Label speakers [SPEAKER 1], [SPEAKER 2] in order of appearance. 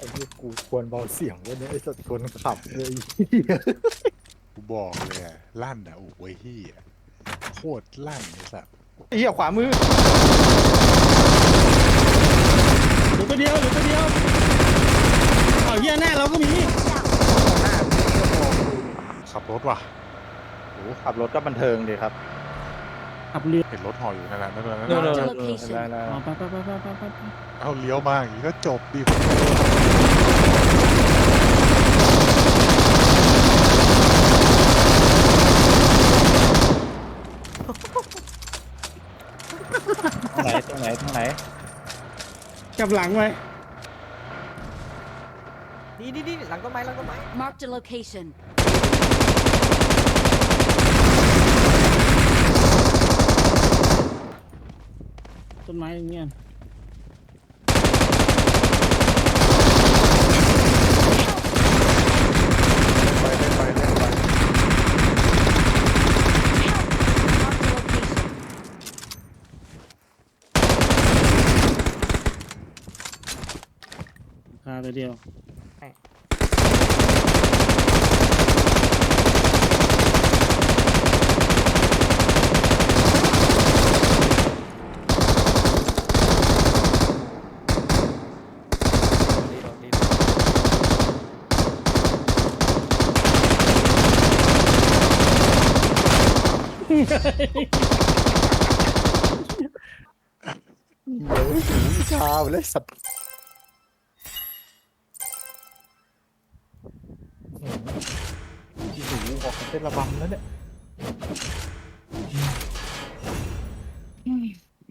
[SPEAKER 1] อ้เหี้ยกูควรเบาเสียงไว้เนี่ยไอ้สัตว์คนขับเลย
[SPEAKER 2] กูบอกเลยอะลั่นอะโอ้ยเฮียโคตรลั่นไอ้สัส
[SPEAKER 1] ไอ้เหี้ยขวามือ
[SPEAKER 3] เหลือตัวเดียวเหลือตัวเดียวเอาเหี้ยหน้าเราก็มี
[SPEAKER 2] ขับรถว่ะโอ้
[SPEAKER 1] ขับรถก็บันเทิงดีครับ
[SPEAKER 3] ขับเรือ
[SPEAKER 2] เห็นรถห่ออยู่นั่นแหละนั่นแหละนั่น
[SPEAKER 1] เออ
[SPEAKER 2] แหละ
[SPEAKER 3] อ๋อไป
[SPEAKER 2] เอาเลี้ยวมาอย่างนี้ก็จบดิ
[SPEAKER 1] ตรงไหน
[SPEAKER 3] กลับหลังไว้
[SPEAKER 4] นี่หลังต้นไม้
[SPEAKER 5] Marked a location.
[SPEAKER 3] ต้นไม้อย่างเงี้ย
[SPEAKER 2] ไปเล่นไปเล่นไป
[SPEAKER 5] Marked a location.
[SPEAKER 3] คาตัวเดียว
[SPEAKER 4] ดี
[SPEAKER 1] เดี๋ยวหูชาไปเลยสัตว์หูออกเป็นระบำแล้วเนี่ย